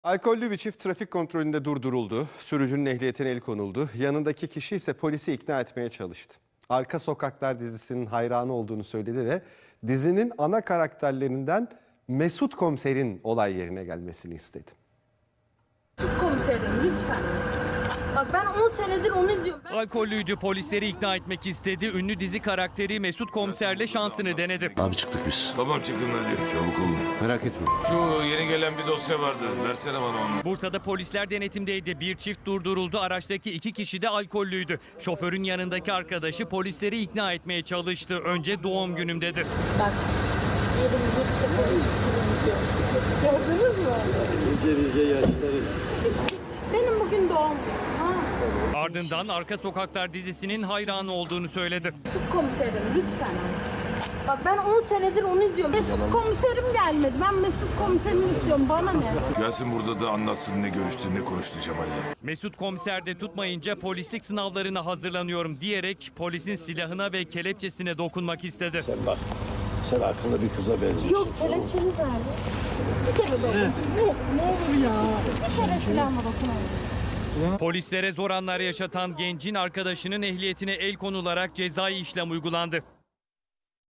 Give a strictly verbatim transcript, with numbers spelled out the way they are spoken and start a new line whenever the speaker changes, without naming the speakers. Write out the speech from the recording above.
Alkollü bir çift trafik kontrolünde durduruldu. Sürücünün ehliyetine el konuldu. Yanındaki kişi ise polisi ikna etmeye çalıştı. Arka Sokaklar dizisinin hayranı olduğunu söyledi ve dizinin ana karakterlerinden Mesut Komiser'in olay yerine gelmesini istedi.
Mesut Komiserim lütfen. Bak ben on senedir onu izliyorum. Ben...
Alkollüydü, polisleri ikna etmek istedi. Ünlü dizi karakteri Mesut Komiser'le şansını denedi.
Abi çıktık biz.
Tamam çıkın hadi çabuk olun.
Merak etme.
Şu yeni gelen bir dosya vardı. Versene bana onu.
Bursa'da polisler denetimdeydi. Bir çift durduruldu. Araçtaki iki kişi de alkollüydü. Şoförün yanındaki arkadaşı polisleri ikna etmeye çalıştı. Önce doğum günüm dedi.
Bak yirmi bir sıfır gördünüz mü?
Nice nice yaşları.
Benim bugün doğum günüm. Ha.
Ardından Arka Sokaklar dizisinin hayranı olduğunu söyledi.
Mesut Komiserim lütfen. Bak ben on senedir onu izliyorum. Mesut Komiserim gelmedi. Ben Mesut Komiserimi istiyorum. Bana ne?
Gelsin burada da anlatsın ne görüştü ne konuştu Cemal'le.
Mesut Komiser de tutmayınca polislik sınavlarına hazırlanıyorum diyerek polisin silahına ve kelepçesine dokunmak istedi.
Sen bak. Sen akıllı bir kıza benziyorsun.
Yok kelepçeniz nerede? Bir kere dokun. Ne, ne olur ya. Bir kere silahıma dokunayım.
Polislere zor anlar yaşatan gencin arkadaşının ehliyetine el konularak cezai işlem uygulandı.